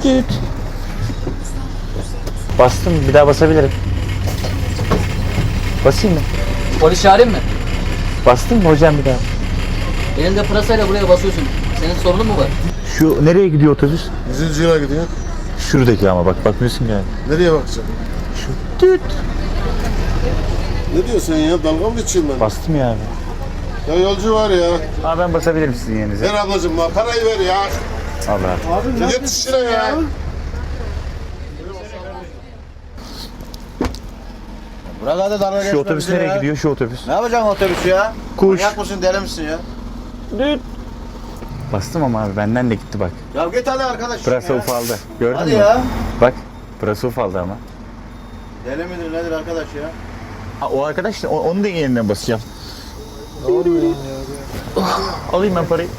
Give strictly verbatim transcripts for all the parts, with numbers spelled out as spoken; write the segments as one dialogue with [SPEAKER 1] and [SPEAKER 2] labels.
[SPEAKER 1] Düt. Bastım, bir daha basabilirim. Basayım mı?
[SPEAKER 2] Polis çağırayım mı?
[SPEAKER 1] Bastım mı hocam bir daha?
[SPEAKER 2] Elinde pırasayla buraya basıyorsun. Senin sorunun mu var?
[SPEAKER 1] Şu nereye gidiyor otobüs?
[SPEAKER 3] Yüzüncü yıla gidiyor.
[SPEAKER 1] Şuradaki ama bak bakmıyorsun yani.
[SPEAKER 3] Nereye bakacaksın?
[SPEAKER 1] Şu düt.
[SPEAKER 3] Ne diyorsun ya? Dalga mı geçiyorsun ben?
[SPEAKER 1] Bastım ya abi.
[SPEAKER 3] Ya yolcu var ya.
[SPEAKER 1] Abi ben basabilirim sizin yerinize.
[SPEAKER 3] Ver ablacığım bak parayı ver ya.
[SPEAKER 1] Allah.
[SPEAKER 3] Abi git işine ya.
[SPEAKER 4] Buralarda dalga geçme
[SPEAKER 1] Şu otobüs
[SPEAKER 4] bize
[SPEAKER 1] nereye
[SPEAKER 4] ya.
[SPEAKER 1] gidiyor şu otobüs?
[SPEAKER 4] Ne yapacaksın otobüsü ya?
[SPEAKER 1] Kuş.
[SPEAKER 4] Manyak mısın, deli misin ya?
[SPEAKER 1] Düt. Bastım ama abi benden de gitti bak.
[SPEAKER 4] Ya git hadi arkadaş.
[SPEAKER 1] Pırasa
[SPEAKER 4] ya.
[SPEAKER 1] ufaldı. Gördün
[SPEAKER 4] Hadi
[SPEAKER 1] mü?
[SPEAKER 4] ya.
[SPEAKER 1] Bak pırasa ufaldı ama.
[SPEAKER 4] Deli midir nedir arkadaş ya?
[SPEAKER 1] Ha, o arkadaş da o- onun da yeniden basacağım. Oh, alayım ben parayı.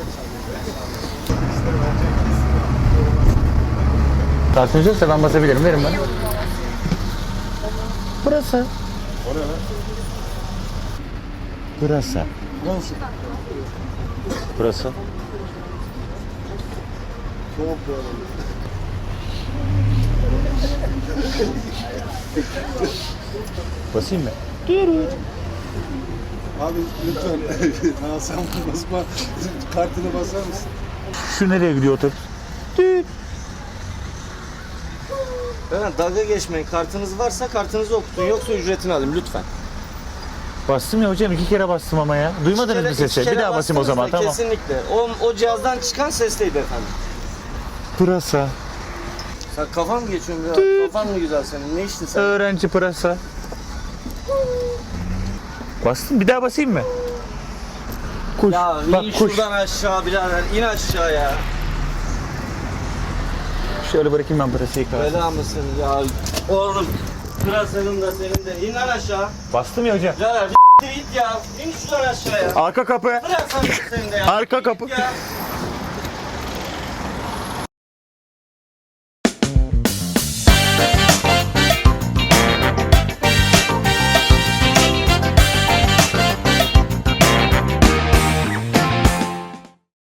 [SPEAKER 1] Tansiyoncu olsa ben basabilirim. Verin bana. Pırasa.
[SPEAKER 3] O ne lan?
[SPEAKER 1] Pırasa.
[SPEAKER 3] Nasıl?
[SPEAKER 1] Pırasa.
[SPEAKER 3] Çok böyle.
[SPEAKER 1] Basayım mı?
[SPEAKER 3] Abi lütfen. Ha sen basma. Kartını basar mısın?
[SPEAKER 1] Şu nereye gidiyor otobüs?
[SPEAKER 5] Hemen dalga geçmeyin. Kartınız varsa kartınızı okutun. Yoksa ücretini alayım lütfen.
[SPEAKER 1] Bastım ya hocam iki kere bastım ama ya. Duymadınız mı
[SPEAKER 5] İki
[SPEAKER 1] sesi?
[SPEAKER 5] kere
[SPEAKER 1] Bir daha basayım o
[SPEAKER 5] bastınız
[SPEAKER 1] zaman
[SPEAKER 5] da
[SPEAKER 1] tamam.
[SPEAKER 5] Kesinlikle. O, o cihazdan çıkan sesteydi efendim.
[SPEAKER 1] Pırasa.
[SPEAKER 5] Sen kafan mı geçiyorsun biraz? Kafan mı güzel senin? Ne içtin sen?
[SPEAKER 1] Öğrenci pırasa. Bastım bir daha basayım mı? Kuş.
[SPEAKER 5] Ya
[SPEAKER 1] Bak
[SPEAKER 5] in
[SPEAKER 1] kuş.
[SPEAKER 5] şuradan aşağı birader. İn aşağıya.
[SPEAKER 1] Şöyle bırakayım ben pırasayı kalsın.
[SPEAKER 5] Bela mısın ya? Oğlum. Pırasanın da senin de. İn lan aşağı.
[SPEAKER 1] Bastım ya hocam.
[SPEAKER 5] Birader bir git ya. İn şuradan aşağıya.
[SPEAKER 1] Arka kapı.
[SPEAKER 5] Pırasanın da senin de ya.
[SPEAKER 1] Arka
[SPEAKER 5] Git
[SPEAKER 1] kapı.
[SPEAKER 5] ya.